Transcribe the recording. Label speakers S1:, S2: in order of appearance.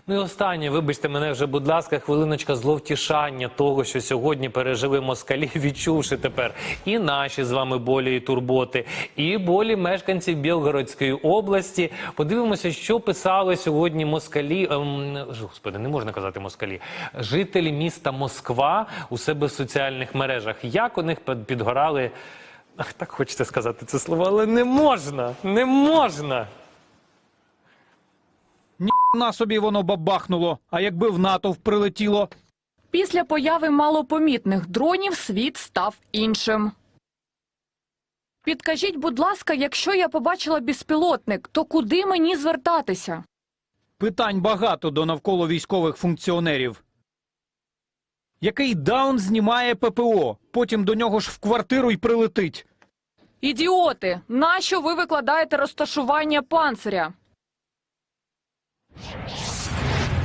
S1: Ну і останнє, вибачте мене вже, будь ласка, хвилиночка зловтішання того, що сьогодні пережили москалі, відчувши тепер і наші з вами болі і турботи, і болі мешканців Білгородської області. Подивимося, що писали сьогодні москалі, господи, не можна казати москалі, жителі міста Москва у себе в соціальних мережах. Як у них підгорали, так хочеться сказати це слово, але не можна, не можна.
S2: На собі воно бабахнуло, а якби в натовп прилетіло?
S3: Після появи малопомітних дронів світ став іншим. Підкажіть, будь ласка, якщо я побачила безпілотник, то куди мені звертатися?
S2: Питань багато до навколо військових функціонерів. Який даун знімає ППО, потім до нього ж в квартиру й прилетить.
S3: Ідіоти, нащо ви викладаєте розташування панциря?